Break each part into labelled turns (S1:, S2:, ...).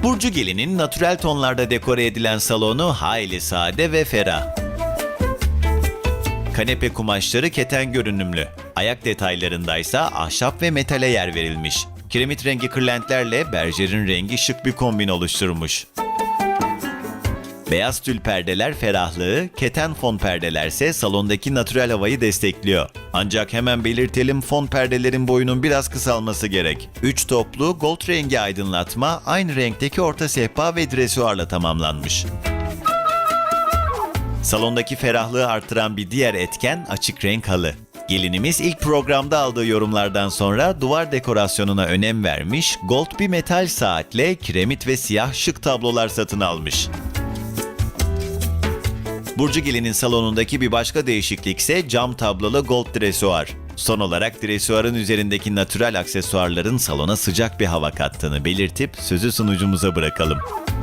S1: Burcu Gelin'in natürel tonlarda dekore edilen salonu hayli sade ve ferah. Kanepe kumaşları keten görünümlü. Ayak detaylarındaysa ahşap ve metale yer verilmiş. Kiremit rengi kırlentlerle berjerin rengi şık bir kombin oluşturmuş. Beyaz tül perdeler ferahlığı, keten fon perdelerse salondaki natürel havayı destekliyor. Ancak hemen belirtelim, fon perdelerin boyunun biraz kısalması gerek. 3 toplu gold rengi aydınlatma aynı renkteki orta sehpa ve dresuarla tamamlanmış. Salondaki ferahlığı artıran bir diğer etken açık renk halı. Gelinimiz ilk programda aldığı yorumlardan sonra duvar dekorasyonuna önem vermiş, gold bir metal saatle kiremit ve siyah şık tablolar satın almış. Burcu Gelin'in salonundaki bir başka değişiklik ise cam tablolu gold dresuar. Son olarak dresuarın üzerindeki natürel aksesuarların salona sıcak bir hava kattığını belirtip sözü sunucumuza bırakalım.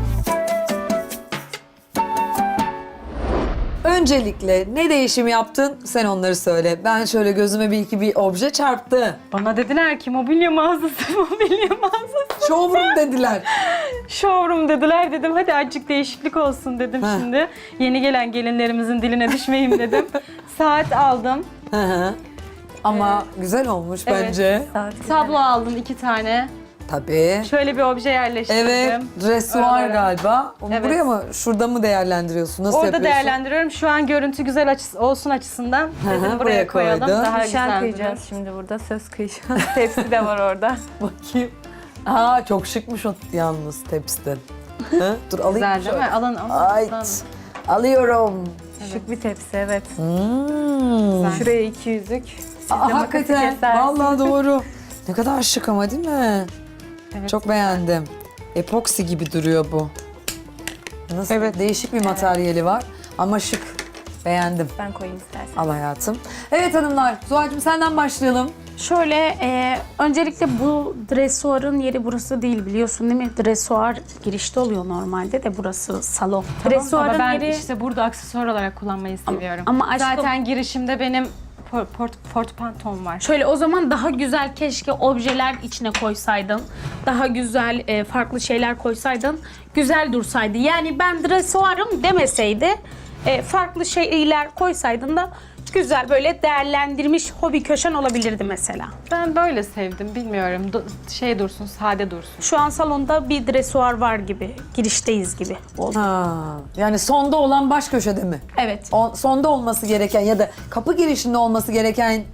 S2: Öncelikle ne değişim yaptın? Sen onları söyle. Ben şöyle gözüme bir obje çarptı.
S3: Bana dediler ki mobilya mağazası, mobilya mağazası.
S2: Showroom dediler.
S3: Showroom dediler, dedim hadi azıcık değişiklik olsun dedim
S2: Heh.
S3: şimdi. Yeni gelen gelinlerimizin diline düşmeyeyim dedim. Saat aldım.
S2: Hı hı. Ama güzel olmuş
S3: Evet.
S2: bence.
S3: Tablo aldım 2 tane.
S2: Tabii.
S3: Şöyle bir obje yerleştirdim.
S2: Evet, dresuar
S3: Öyle.
S2: galiba. Onu
S3: Evet.
S2: buraya mı, şurada mı değerlendiriyorsun? Nasıl
S3: Orada
S2: yapıyorsun?
S3: değerlendiriyorum. Şu an görüntü güzel açısı, açısından dedim
S2: hı,
S3: buraya
S2: buraya
S3: koyalım.
S2: koydun.
S3: Daha
S4: Nişan
S3: güzel
S4: kıyacağız
S3: durur.
S4: şimdi burada. Söz kıyacağız. Tepsi de var orada.
S2: Bakayım. Aa, çok şıkmış o yalnız tepsiden. Hı? Dur alayım
S3: Güzel değil
S2: şöyle.
S3: mi? Alın.
S2: Ay, alıyorum.
S4: Şık bir tepsi, evet.
S2: Hmm.
S4: Şuraya 2 yüzük. Siz de
S2: Aa,
S4: makası
S2: hakikaten.
S4: kesersiniz.
S2: Vallahi doğru. Ne kadar şık ama değil mi?
S3: Evet.
S2: Çok beğendim. Epoksi gibi duruyor bu. Nasıl?
S4: Evet.
S2: Değişik bir materyali var ama şık. Beğendim.
S4: Ben koyayım istersen.
S2: Al hayatım. Evet hanımlar, Zuhal'cığım senden başlayalım.
S5: Şöyle, öncelikle bu dresuarın yeri burası değil, biliyorsun değil mi? Dresuar girişte oluyor normalde de, burası salon.
S3: Tamam,
S5: Dresuarın
S3: ama ben
S5: yeri...
S3: işte burada aksesuar olarak kullanmayı seviyorum.
S5: ama aşkım-
S3: Zaten girişimde benim portmantom var.
S5: Şöyle, o zaman daha güzel, keşke objeler içine koysaydın. Daha güzel, farklı şeyler koysaydın. Güzel dursaydı. Yani ben dresuarım demeseydi, farklı şeyler koysaydın da güzel, böyle değerlendirmiş hobi köşen olabilirdi mesela.
S3: Ben böyle sevdim, bilmiyorum. Şey dursun, sade dursun.
S5: Şu an salonda bir dresuar var gibi, girişteyiz gibi oldu.
S2: Ha, yani sonda olan baş köşede mi?
S5: Evet.
S2: Sonda olması gereken ya da kapı girişinde olması gereken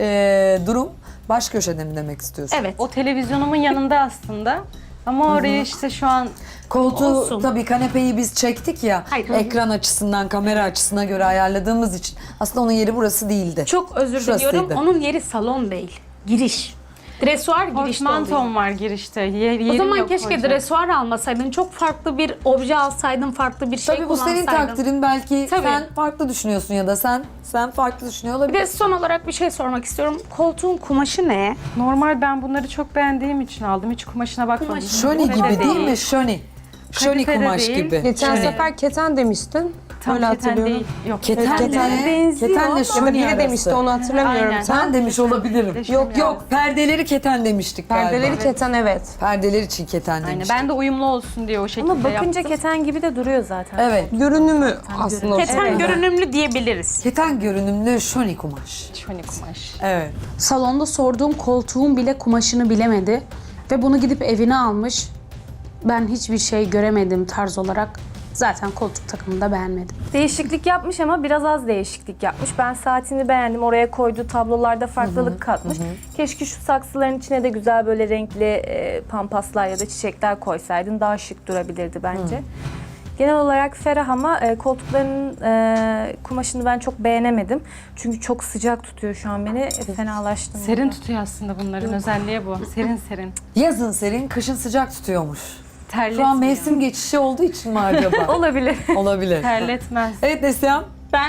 S2: durum baş köşede mi demek istiyorsun?
S5: Evet.
S3: O televizyonumun yanında aslında. Ama orayı işte şu an
S2: Koltuğu
S5: Olsun.
S2: tabii, kanepeyi biz çektik ya,
S5: Hayır.
S2: ekran açısından, kamera açısına göre ayarladığımız için aslında onun yeri burası değildi.
S5: Çok özür
S2: Şurasıydı.
S5: diliyorum. Onun yeri salon değil. Giriş. Dresuar girişte oluyor.
S3: portmantom var girişte. Yerim
S5: O zaman
S3: yok
S5: keşke
S3: koyacak.
S5: dresuar almasaydın. Çok farklı bir obje alsaydın, farklı bir şey
S2: Tabii bu senin
S5: kullansaydın.
S2: takdirin, belki
S5: Tabii.
S2: sen farklı düşünüyorsun ya da sen farklı düşünüyor
S5: Bir de
S2: olabilirsin.
S5: son olarak bir şey sormak istiyorum. Koltuğun kumaşı ne?
S3: Normal, ben bunları çok beğendiğim için aldım. Hiç kumaşına bakmadım.
S2: Şöni gibi değil mi? Şöni. Şöni
S3: Kalitede
S2: kumaş
S3: değil.
S2: gibi.
S6: Geçen
S3: Şöyle.
S6: sefer keten demiştin.
S3: Tam
S6: Öyle
S3: keten
S6: hatırlıyorum.
S3: değil. Yok.
S2: Keten
S6: Ketenle
S2: benziyor. Ketenle
S6: Ya da
S2: şöni
S6: biri
S2: arası.
S6: demişti, onu hatırlamıyorum.
S3: Aynen.
S6: Sen
S2: Ben demiş olabilirim.
S3: Deşim
S2: Yok
S3: yani.
S2: yok, perdeleri keten demiştik
S6: perdeleri
S2: galiba.
S6: keten, evet.
S2: Perdeler için keten
S3: Aynen.
S2: demiştik.
S3: Ben de uyumlu olsun diye o şekilde
S4: Ama bakınca
S3: yaptım.
S4: keten gibi de duruyor zaten.
S2: Evet.
S6: Görünümü aslında o.
S5: Keten
S6: Evet.
S5: görünümlü diyebiliriz.
S2: Keten görünümlü şöni kumaş.
S3: Şöyle kumaş.
S2: Evet.
S5: Salonda sorduğum koltuğun bile kumaşını bilemedi. Ve bunu gidip evine almış. Ben hiçbir şey göremedim tarz olarak. Zaten koltuk takımını da beğenmedim.
S4: Değişiklik yapmış ama biraz az değişiklik yapmış. Ben saatini beğendim. Oraya koyduğu tablolarda farklılık katmış. Keşke şu saksıların içine de güzel böyle renkli pampaslar ya da çiçekler koysaydın. Daha şık durabilirdi bence. Genel olarak ferah ama koltukların kumaşını ben çok beğenemedim. Çünkü çok sıcak tutuyor şu an beni. Fenalaştım.
S3: Serin tutuyor aslında bunların özelliği bu. Serin serin.
S2: Yazın serin, kışın sıcak tutuyormuş.
S3: Terletmiyor.
S2: Şu an mevsim geçişi olduğu için mi acaba?
S4: Olabilir.
S2: Olabilir.
S3: Terletmez.
S2: Evet Neslihan.
S7: Ben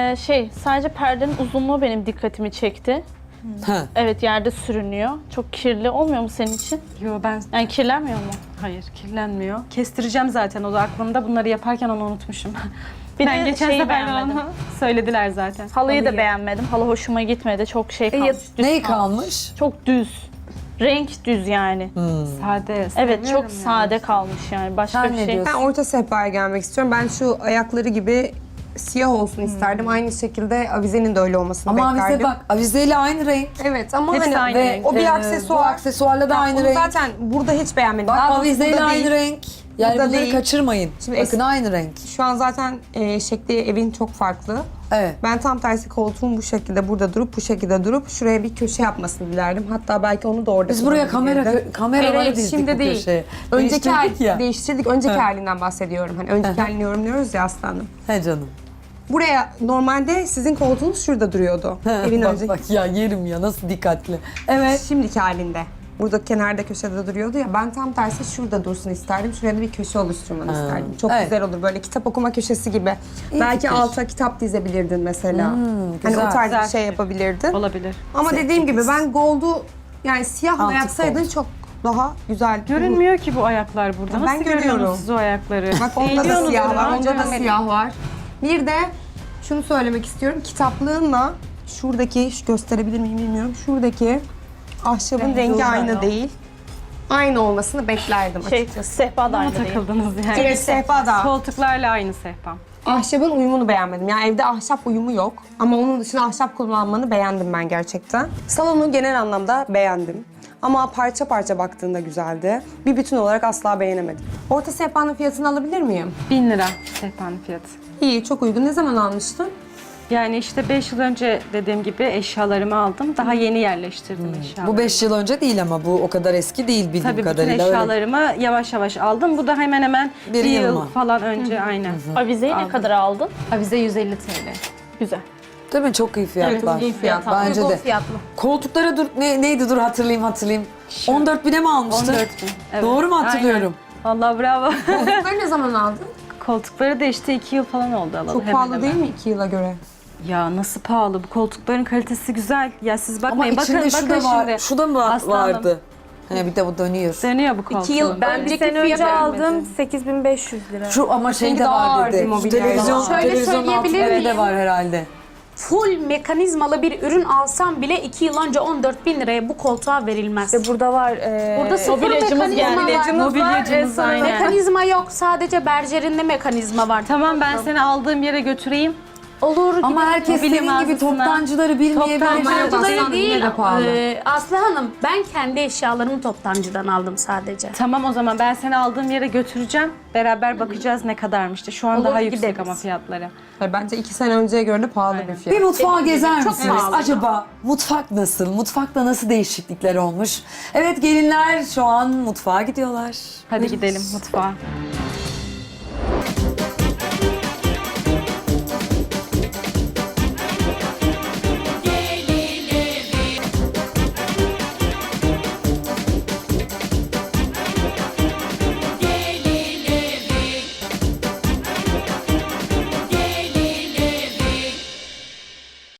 S7: sadece perdenin uzunluğu benim dikkatimi çekti.
S2: Ha.
S7: Evet, yerde sürünüyor. Çok kirli olmuyor mu senin için?
S3: Yo, ben
S7: Yani kirlenmiyor mu?
S3: hayır, kirlenmiyor. Kestireceğim zaten, o da aklımda. Bunları yaparken onu unutmuşum.
S7: Bir
S3: Ben
S7: de
S3: geçen
S7: şeyi
S3: sefer
S7: beğenmedim.
S3: onu söylediler zaten.
S7: Halıyı da beğenmedim. Halı hoşuma gitmedi. Çok şey kalmış. Düz
S2: Neyi
S7: kalmış.
S2: kalmış?
S7: Çok düz. Renk düz yani.
S3: Sade.
S7: Evet çok
S3: seviyorum
S7: sade kalmış yani. Başka
S2: Sen
S7: bir
S2: ne
S7: şey.
S2: diyorsun?
S6: Ben orta sehpaya gelmek istiyorum. Ben şu ayakları gibi siyah olsun isterdim. Aynı şekilde avizenin de öyle olmasını
S2: Ama
S6: beklerdim.
S2: avize bak, avizeyle aynı renk.
S6: Evet ama
S3: Hepsi
S6: hani
S3: aynı
S2: Ve
S3: renk.
S6: o bir
S2: bu
S6: aksesuar.
S2: aksesuarla da aynı
S6: Onu
S2: renk.
S6: zaten burada hiç beğenmedim.
S2: Bak
S6: Daha doğrusu
S2: avizeyle
S6: burada
S2: aynı
S6: değil.
S2: renk. Yani
S6: Burada
S2: bunları
S6: değil.
S2: kaçırmayın.
S6: Şimdi
S2: Bakın aynı renk.
S6: Şu an zaten şekli evin çok farklı.
S2: Evet.
S6: Ben tam tersi koltuğum bu şekilde burada durup bu şekilde durup şuraya bir köşe yapmasını dilerdim. Hatta belki onu da orada
S2: Biz buraya
S6: kullanabilirdim.
S2: kameraları
S6: Hayır,
S2: dizdik
S6: şimdi
S2: bu
S6: değil.
S2: köşeye.
S6: Önceki
S2: Değiştirdik ya.
S6: değiştirdik. Önceki halinden bahsediyorum. Hani önceki halini yorumluyoruz ya aslanım.
S2: He canım.
S6: Buraya normalde sizin koltuğunuz şurada duruyordu. Evin
S2: bak
S6: önceki.
S2: bak ya yerim ya nasıl dikkatli. Evet.
S6: Şimdiki halinde. Burada kenarda köşede duruyordu ya. Ben tam tersi şurada dursun isterdim. Şuraya da bir köşe oluşturmanı isterdim. Çok
S2: Evet.
S6: güzel olur. Böyle kitap okuma köşesi gibi. Belki
S2: fikir.
S6: alta kitap dizebilirdin mesela. Hani
S2: güzel.
S6: o tarz
S3: Güzel
S6: bir şey yapabilirdin.
S3: Olabilir.
S6: Ama dediğim gibi ben gold'u yani siyahla
S2: Antik
S6: yapsaydın
S2: gold.
S6: çok daha güzel.
S3: Görünmüyor ki bu ayaklar burada.
S6: Ben
S3: Nasıl
S6: görüyorum.
S3: görüyorsunuz siz o ayakları?
S6: Bak onda da
S3: Eğiliyorsunuz
S6: siyah var,
S3: ama
S6: onda da
S3: görmedim.
S6: siyah var. Bir de şunu söylemek istiyorum. Kitaplığınla şuradaki, şu gösterebilir miyim bilmiyorum. Şuradaki ahşabın rengi aynı değil. Aynı olmasını beklerdim
S7: Şey,
S6: açıkçası.
S7: sehpa da
S3: Buna
S7: aynı değil.
S3: takıldınız yani.
S6: Evet, sehpa da.
S3: Koltuklarla aynı sehpa.
S6: Ahşabın uyumunu beğenmedim. Yani evde ahşap uyumu yok. Ama onun dışında ahşap kullanmanı beğendim ben gerçekten. Salonu genel anlamda beğendim. Ama parça parça baktığında güzeldi. Bir bütün olarak asla beğenemedim. Orta sehpanın fiyatını alabilir miyim?
S3: 1000 lira sehpanın fiyatı.
S6: İyi, çok uygun. Ne zaman almıştın?
S3: Yani işte 5 yıl önce dediğim gibi eşyalarımı aldım. Daha yeni yerleştirdim eşyalarımı.
S2: Bu 5 yıl önce değil ama bu o kadar eski değil bildiğim
S3: Tabii bütün
S2: kadarıyla. Öyle.
S3: eşyalarımı yavaş yavaş aldım. Bu da hemen hemen
S2: Bir
S3: bir
S2: yıl
S3: yıl
S2: mı?
S3: falan önce aynen.
S7: Avizeyi ne
S3: Aldım.
S7: kadar aldın?
S5: Avize 150 TL.
S7: Güzel.
S2: Değil mi? Çok iyi fiyatlar.
S6: iyi fiyat.
S2: Bence de.
S5: Fiyatlı.
S2: Koltuklara dur neydi dur hatırlayayım. 14 bine mi almıştın?
S3: 14 bin. Evet.
S2: Doğru mu hatırlıyorum?
S3: Vallahi bravo.
S6: Koltukları ne zaman aldın?
S3: Koltukları da işte 2 yıl falan oldu alalı.
S6: Çok
S3: hemen
S6: pahalı
S3: hemen.
S6: değil mi 2 yıla göre?
S3: Ya nasıl pahalı? Bu koltukların kalitesi güzel. Ya siz
S2: Ama
S3: bakmayın.
S2: içinde şu da
S3: bakın
S2: var.
S3: şimdi.
S2: Şu da mı
S3: Aslanım.
S2: vardı? He bir de bu dönüyor.
S3: Dönüyor bu koltuğun.
S5: 2 yıl
S4: Ben bir
S5: önceki
S4: sene önce
S5: fiyatı
S4: aldım 8500 lira.
S2: Şu ama şey de
S6: daha
S2: var
S6: ağır
S2: dedi.
S6: bir mobilya.
S2: Televizyon,
S5: Şöyle
S2: televizyon
S5: söyleyebilir
S2: altında de
S5: miyim?
S2: var herhalde.
S5: Full mekanizmalı bir ürün alsam bile 2 yıl önce 14.000 liraya bu koltuğa verilmez.
S4: İşte burada var.
S5: Burada sıfır
S7: Mobilyacımız
S5: mekanizma
S7: geldi.
S5: var.
S3: Mobilyacımız aynen.
S5: Mekanizma yok. Sadece berjerinde mekanizma var.
S3: Tamam ben seni aldığım yere götüreyim.
S5: Olur.
S2: Ama herkes
S3: Mobilya
S2: senin gibi
S3: mağazasına.
S2: toptancıları bilmeyebilir.
S3: Toptancı-
S5: Toptancıları
S6: Aslanım,
S5: değil.
S6: yine de pahalı.
S5: Aslı Hanım ben kendi eşyalarımı toptancıdan aldım sadece.
S3: Tamam o zaman ben seni aldığım yere götüreceğim. Beraber bakacağız ne kadarmıştı. Şu an
S5: Olur,
S3: daha yüksek
S5: gideriz.
S3: ama fiyatları.
S6: Hayır, bence 2 sene önceye göre de pahalı bir fiyat.
S2: Bir mutfağa gezer
S5: çok
S2: misiniz?
S5: pahalı.
S2: Acaba mutfak nasıl? Mutfakta nasıl değişiklikler olmuş? Evet gelinler şu an mutfağa gidiyorlar.
S3: Hadi gidelim mutfağa.